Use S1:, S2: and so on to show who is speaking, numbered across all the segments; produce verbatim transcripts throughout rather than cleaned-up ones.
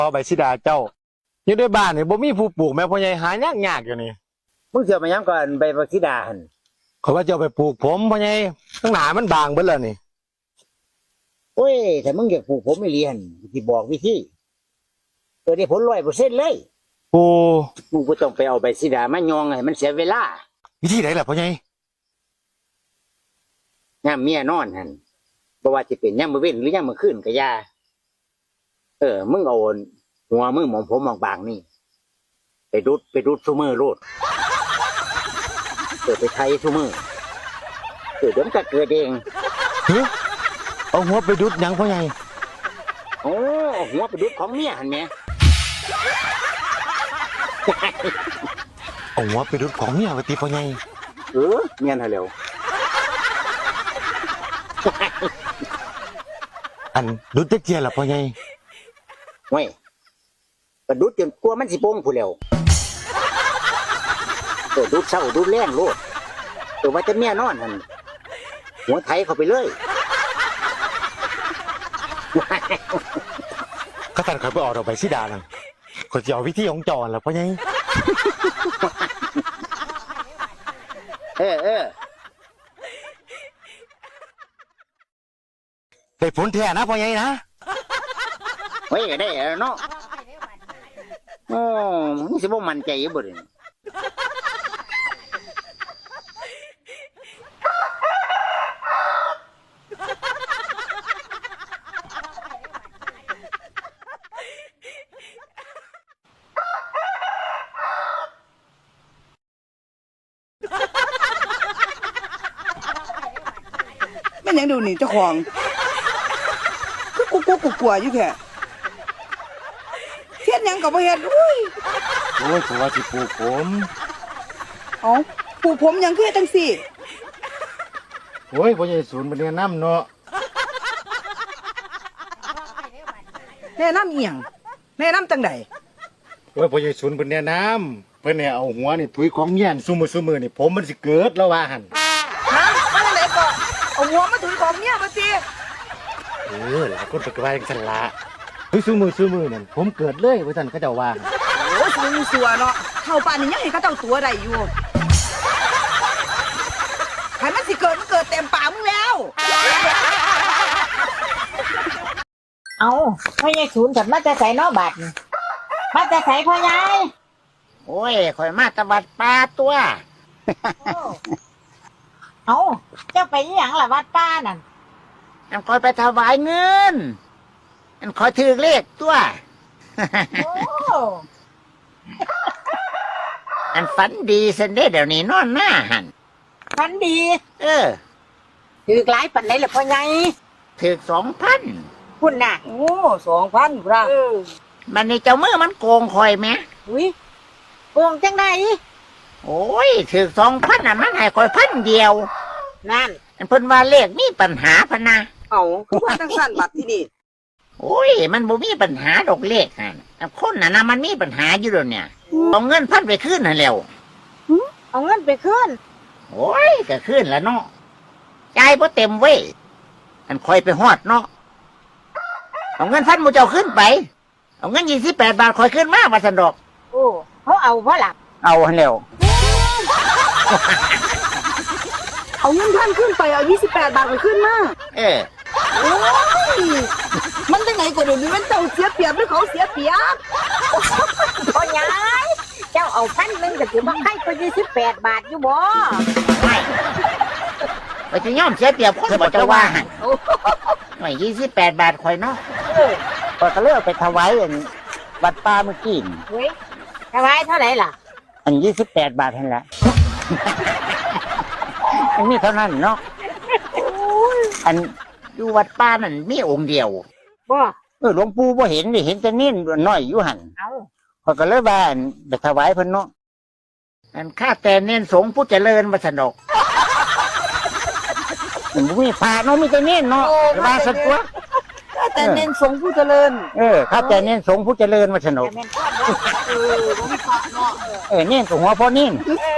S1: อใบสิดาเจ้าอยู่ในบ้านนี่บ่มีผู้ปลูกแม่พ่อใหญ่หายากๆอยู่นี่
S2: มึงเสียมาย้ำก่อนใบบักสีดาหัน
S1: เขาว่าเจ้าไปปลูกผมพ่อใหญ่ตั้งหนามันบางเบิดแล้วนี่
S2: โอ้ยแต่มึงอยากปลูกผมไม่เรียนที่บอกวิธีเออได้ผลร้อยเปอร์เซ็นต์เลย
S1: โอ้
S2: มึงก็ต้องไปเอาใบสีดามายองให้มันเสียเวลา
S1: วิธีไหนล่ะพ่อใหญ่
S2: ย่ามเมียนอนหันบ่ว่าจะเป็นย่ามมื้อเว้นหรือย่ามมื้อคืนก็อย่าเออมึงเอาหัวมึงหมองผมบางๆนี่ไปดุดไปดุดซุมือโลดเกิดไปไทยซุมือเกิดเดี๋ยวมันก็เกิดเอง
S1: เฮ้ยเอาหัวไปดุดหยังพ่อใหญ่
S2: โอ้หัวไปดุดของเมียหันแม่
S1: เอาหัวไปดุดของเมียไปตีพ่อใหญ่
S2: เออเมียนหาแล้ว
S1: อันดุดจักเจียล่ะพ่อใหญ่
S2: เว้ยไปดุดจนกลัวมันสิโป่งผู้แล้วเออดุดเศร้าดุดแรงโลดเออว่าจะเมียนอนหันหัวไถเข้าไปเลย
S1: ก็ตัดข่อยไปออกดอกใบสิดานั่นข่อยสิเอาวิธีของจอนล่ะพ่อใหญ่
S2: เออเออ
S1: ได้ผลแท้นะพ่อใหญ่นะ
S2: เฮ้ยได้แล้วเนาะโอ้มึงสิบ่มั่นใจอยู่บ่ดิ
S3: แม่ยังดูนี่เจ้าของคือกูกูกูกลัวอยู่แค่เทียนยังกับพ่อเฮ็ดอุ้ย
S1: โอ้ยผมว่าสิปลูกผม
S3: เอ้าปลูกผมยังคือจังสี่
S1: โอ้ยพ่อใหญ่ศูนย์บ่แนะนำเนาะ
S3: แนะนำอีหยังแนะนำจังใด
S1: โอ้ยพ่อใหญ่ศูนย์เพิ่นแนะนำเพิ่นเนี่ยเอาหัวนี่ถุยของเมียนซุมื้อซุมื้อนี่ผมมันสิเกิดแล้วว่าหั่น
S3: ฮะมาจังไดก็เอาหัวมาถุยของเมียบ่ติ
S1: เออหลายคนก็ว่าจังซั่นล่ะถุยซุมื้อซุมื้อนั่นผมเกิดเลยว่าซั่นเขาเจ้าว่า
S3: โอ้ยสูงสัวเนาะเท่าป่านนี้ยังเห็นเขาเจ้าตัวได้อยู่ให้มันสิเกิดมันเกิดเต็มปากมึงแล้ว
S4: เอาพ่อใหญ่ศูนย์กับมาจะใส่นอบาดมาจะใส่พ่อใหญ่
S2: โอ้ยข่อยมาตะวัดปลาตัว
S4: เอาเจ้าไปยี่หยังล่ะวัดป้านั่น
S2: อันข่อยไปถวายเงินอันข่อยถือเลขตัว
S4: โอ้
S2: อันฝันดีเส้นเด้เดี๋ยวนี้นอนหน้าหัน
S4: ฝันดี
S2: เออ
S4: ถือหลายปันไหนล่ะพ่อใหญ่
S2: ถือสองพัน
S4: คุณน่ะ
S3: โอ้สองพันครับ
S2: มันนี่เจ้ามือมันโกงคอยไหม
S4: อุ้ยโกงจังได
S2: โอ้ยถือสองพันอ่ะมันให้คอยพันเดียว
S4: นั่น
S2: อันเพิ่นว่าเลขมีปัญหาพะนะ
S3: เอาคือว่าตั้งสั้นบัตรที่นี่
S2: โอ้ยมันบ่มีปัญหาดอกเลขฮะคนน่ะนะมันมีปัญหาอยู่แล้วเนี่ยเอาเงินพันไปคืนน่ะแล้ว
S4: เอาเงินไปคืน
S2: โอ้ยก็คืนแล้วเนาะจ่ายบ่เต็มเว้ยอันคอยไปฮอดเนาะเอาเงินพันหมู่เจ้าขึ้นไปเอาเงินยี่สิบแปดบาทคอยขึ้นมาว่าซั่นดอก
S4: โอ้เขาเอาเพราะหลัก
S2: เอาหั่นแล้ว
S3: เอาเงินพันขึ้นไปเอายี่สิบแปดบาทไปขึ้นมา
S2: เออ
S3: โอ้ยมันจังไหนก็เดี๋ยวนี้มันเจ้าเสียเปรียบหรือเขาเสียเปรียบ
S4: พ่อใหญ่เจ้าเอาพันหนึ่งก็ถือว่าให้ก็ยี่สิบแปดบาทอยู่บ่
S2: ไม่ไปจะย่อมเสียเปรียบคนบ่จะว่าไม่ยี่สิบแปดบาทคอยเนาะก็ก็เลือกไปถวายวัดป่าเมื่อกี้
S4: เฮ้ยถวายเท่าไหร่ล่ะ
S2: อันยี่สิบแปดบาทเท่านั้นแหละอันนี้เท่านั้นเนาะอันอยู่วัดป่านั่นมีองค์เดียว
S4: บ่
S2: เออหลวงปู่บ่เห็นนี่เห็นแต่เน้นน้อยอยู่หัน
S4: เอา
S2: เขาก็เลยว่าไปถวายเพิ่นเนาะอันข้าแต่เน้นสงฆ์ผู้เจริญมาสนกมันบ่มีพระเนาะมีแต่เน้นเนาะว่าสักตัว
S3: ข้าแต่เน้นสงฆ์ผู้เจริญ
S2: เออข้าแต่เน้นสงฆ์ผู้เจริญมาสนก
S3: เออบ่มีพระเนาะ
S2: เออเน้นกับหัวพ่อเน้น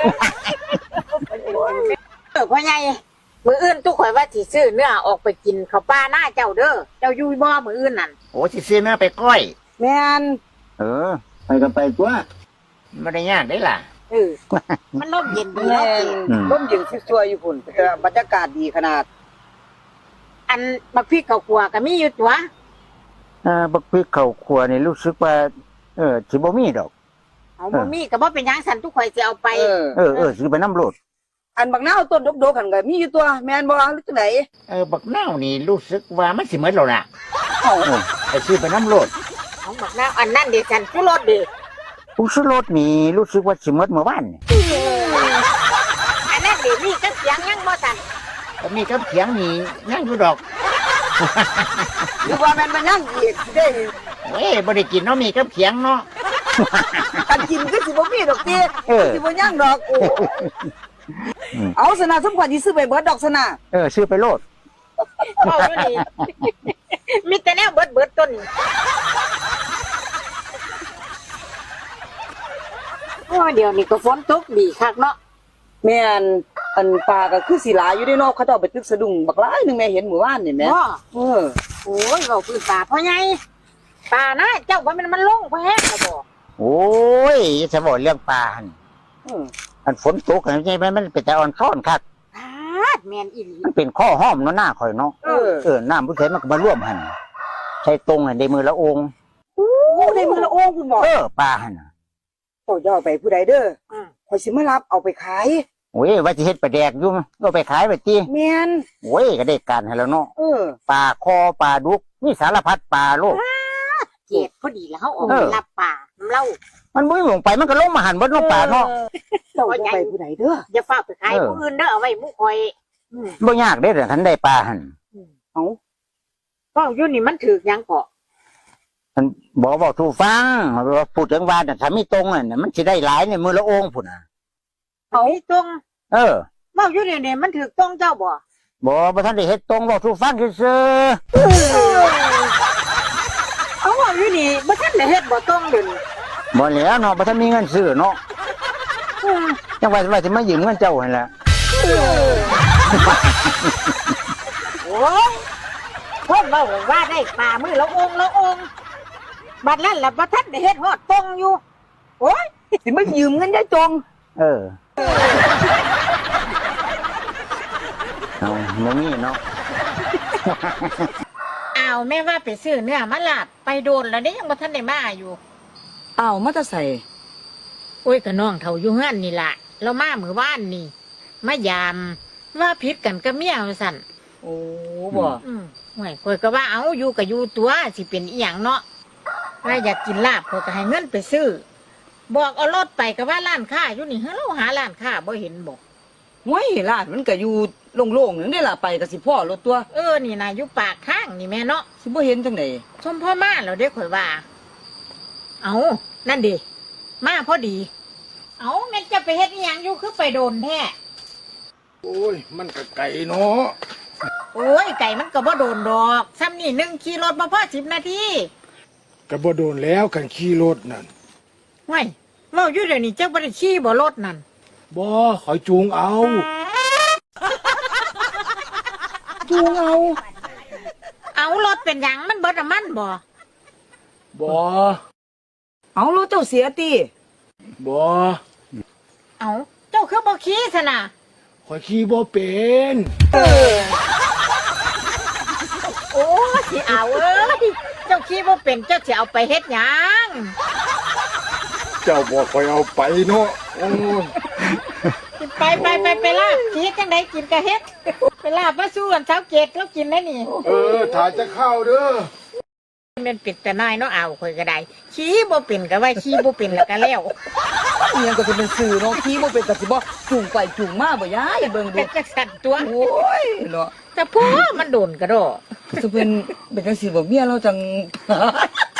S4: เออพ่อใหญ่มื้ออื่นทุกข่อยว่าสิซื้อเนื้อออกไปกินข้าวปลาหน้าเจ้าเด้อเจ้าอยู่บ่มื้ออื่นนั่น
S2: โอ้สิซื้อเนื้อไปก้อย
S4: อ
S3: แม่น
S2: เออ ไปก็ไปตัวไม่ได้ยากได้ล่ะ
S3: เออ
S4: มันลมเย็นดี
S3: แม่
S4: เนาะ
S3: น
S2: อืม
S3: ร่มเย็นซัวๆอยู่พุ่นแต่บรรยากาศดีขนาด
S4: อันบักพริกข้าวคั่วก็มีอยู่ตัว
S2: เออบักพริกข้าวคั่วนี่รู้สึกว่า เออสิบ่มีดอก
S4: เอาบ่มีก็บ่เป็นหยังสันทุกข่อยสิเอาไป
S3: เออ
S2: เออเออสิไปน้ำโลด
S3: อันบักนาวต้นดกๆหันก็มีอยู่ตัวแม่นบ่หรือจังได
S2: เออบักนาวนี่รู้สึกว่ามันสิเหมือนเราล่ะ
S3: เอ้า
S2: เออไปซื้อไปน้ำโลด
S4: เอาบักนาวอันนั้นดิสันผู้รสดิ
S2: ผู้ซื้อรถนี่รู้สึกว่าสิเหมือนเมื่อวานนี่
S4: อันนั้นดิมีกับเสียงยังบ่สัน
S2: ก็มีกับเขียงนี่ยังอยู่ดอก
S3: หรือว่าแม่นมันยังอีกได้
S2: เว้ยบ่ได้กินเนาะมีกับเขียงเนาะ
S3: กันกินก็สิบ่มีดอกติ
S2: เออ
S3: สิบ่ยังดอกโอ้เอาสนะสมควรสิซื้อไปเบิดดอกสนะ
S2: เออซื้อไปโลด
S4: เอาอยู่นี่ มีแต่แนวเบิดเบิดต้นโอ้ยเดี๋ยวนี้ก็ฝนตกดีคักเนาะ
S3: แม่นอันปลาก็คือสิหลายอยู่ในนอกเขาเจ้าไปตึกสะดุ้งบักหลายหนึงแม่เห็นหมู่บ้านนี่แหม่
S4: บ่
S3: เออ
S4: โอ้ยเราคือป่าพ่อใหญ่ป่านะเจ้าว่ามันมันลงพ่อแห้งแล้วบ่
S2: โอ้ยจะบอกเรื่องปลาหั่น
S3: เออ
S2: อันฝนตกอันนี้มันเป็นแต่อ่อนซ้อนคัก
S4: พาดแม่นอีหลี
S2: มันเป็นข้อห้อมเนาะหน้าข่อยเนาะ
S3: เออ
S2: เออน้ำผู้ใช้มันก็มาร่วมหั่นใช้ตรงหั่นในมือละองค์
S3: โอ้ในมือละโอ้คุณบอก
S2: เออปลาหั่นน่ะ
S3: เจ้าจะเอาไปผู้ใดเด้อ
S4: อืม
S3: ข่อยสิมารับเอาไปขาย
S2: โอ้ยว่าจะเฮ็ดปลาแดกอยู่ก็ไปขายไปตี
S3: แม่น
S2: โอ้ยก็ได้การให้แล้วเนาะ
S3: เออ
S2: ปลาคอปลาดุกนี่สารพัดปลาโลก
S4: เจ็ดพอดีแล้วเขาออก
S2: เอ
S4: ไป
S2: อ
S4: รับป่าน้ำเล่า
S2: มันบ่มีหลงไปมันก็ลงมาหันบนน้องปลาเนาะ
S3: เจ้าจะไปผู้ใดเด้อ
S4: อย่าฝากไปขาย
S2: เออ
S4: ผู้อื่นเด้อเอาไว้หมู่คอยอืม
S2: บ่ยากเด้อคันได้ปลาหั่น
S3: เอา
S4: ก็อยู่นี่มันถือกหยังเกาะ
S2: มันบอกบอกทูฟังว่าพูดถึงว่าน่ะถ้ามีตรงน่ะมันสิได้หลายในมือละองค์พุ่นน่ะ
S4: เอามีตรง
S2: เออ
S4: เว่าอยู่นี่เนี่ยมันถือกตรงเจ้าบ่
S2: บ่บ่ทันได้เฮ็ดตรงบอกทูฟังซื่อ
S4: เอาเว่าอยู่นี่บ่ทันได้เฮ็ดบ่ตรงเด่น
S2: ๆบ่แล้วเนาะบ่ทันมีเงินซื้อเนาะจังว่าว่าสิมายืมเงินเจ้าหั่นล่ะ
S4: โอ้ยคนเว้าว่าได้ป่ามือละองค์ละองค์บัดนั้นล่ะบ่ทันได้เฮ็ดฮอดตรงอยู่โอ้ย
S3: สิมายืมเงินยายจง
S2: เออเอาบ่มีเนาะ
S4: อ้าวแม่ว่าไปซื้อเนื้อมาลาบไปโดนแล้วเด้ยังบ่ทันได้มาอยู่
S3: อ้าวมาจะใส่
S4: โอ้ยก็น้องเฒ่าอยู่เฮือนนี่ล่ะเรามามื้อวานนี่มายามว่าผิดกันกับเมียว่าซั่น
S3: โอ้บ่
S4: อืมห่วยข่อยก็ว่าเอาอยู่ก็อยู่ตัวสิเป็นอีหยังเนาะว่าอยากกินลาบข่อยก็ให้เงินไปซื้อ บอกเอารถไปก็ว่าร้านค้าอยู่นี่เฮาหาร้านค้าบ่เห็นบ่
S3: ห้วยร้านมันก็อยู่โล่งๆนั่นได้ล่ะไปก็สิพ่อรถตัว
S4: เออนี่นะอยู่ปากทางนี่แม่เนาะ
S3: สิบ่เห็นจังได๋
S4: ชมพ่อมาแล้วเด้ข่อยว่า เอานั่นดิมาพอดี เอาแม่นจะไปเฮ็ดอีหยังอยู่คือไปโดนแท้
S1: โอ้ยมันก็ไก่เนาะ
S4: โอ้ยไก่มันก็บ่โดนดอกซ้ำนี่หนึ่งขี่รถบ่พอสิบนาที
S1: ก็บ่โดนแล้วกันขี่รถนั่น
S4: ห่วยเว้าอยู่เดี๋ยวนี้เจ้าบ่ได้ขี่บ่รถนั่น
S1: บ่ขอยจูงเอา
S3: จูงเอา
S4: เอารถเป็นหยังมันเบิดน้ำมันบ่
S1: บ่
S3: เอารถเจ้าเสียติ
S1: บ่
S4: เอาเจ้าคือบ่ขี่ซะนะ
S1: ขอยขี่บ่เป็น
S4: โอ้สิเอาเอ้ยเจ้าขี่บ่เป็นเจ้าสิเอาไปเฮ็ดหยัง
S1: เจ้าบอกขอยเอาไปเนาะโอ้ย
S4: ไปไปไปไปลาบขี่จังไดกินกะเฮ็ดไปลาบมาสู้กันเช้าเกตแล้วกินได้นี่
S1: เออถ่ายจะเข้าเด้อ
S4: มันปิดแต่น้อยเนาะเอาข่อยก็ได้ขี่บ่เป็นก็ว่าขี่บ่เป็นแล้วก็แล้ว
S3: อีหยังก็สิเป็นสื่อเนาะขี่บ่เป็นก็สิบ่จูงไปจูงมาบ่ยายเบิ่งดู
S4: เป็นจังสั่นตัว
S3: โอ้ยเนาะ
S4: แต่พ่อมันโดนกระโดด
S3: ก็จะเป็นเป็นจังซี่บ่เมียเราจัง